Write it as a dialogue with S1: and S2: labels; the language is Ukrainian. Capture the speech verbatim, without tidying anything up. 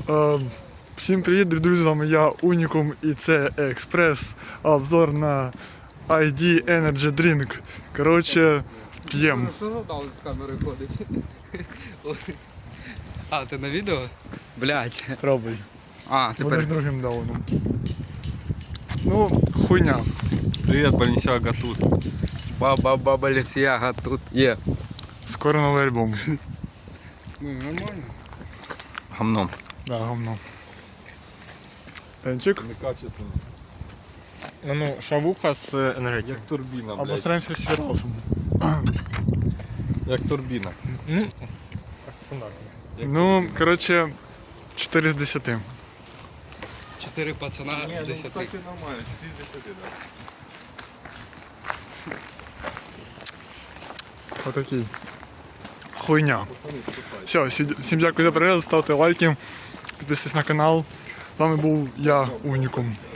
S1: Е, Всім привіт, друзі, з вами я Унікум і це Експрес. Обзор на ай ді Energy Drink. Коротше, п'єм.
S2: Що задали з камери ходить? А, ти на відео? Блять.
S1: Пробуй.
S2: А,
S1: Вони ж
S2: тепер.
S1: другим дауном. Ну, хуйня.
S3: Привет, Баленсиага тут.
S2: Баба баба Лісіага тут є.
S1: Скоро новий альбом.
S2: Ну, нормально.
S3: Гамном.
S1: Да, говно. Пенчик.
S3: Некачественно.
S4: Ну, ну, шавуха з енергетикою.
S3: Як турбіна, блядь.
S1: Обосраємося всі разом.
S3: Як турбіна.
S4: Ну, так, стандартно.
S1: Ну, коротше, чотири з десяти.
S2: Чотири пацана з десяти.
S3: нормально, чотири з десяти, да.
S1: Отакий. Хуйня. Все, всі- всім дякую за перегляд, ставте лайки, підписуйтесь на канал. З вами був я, Унікум.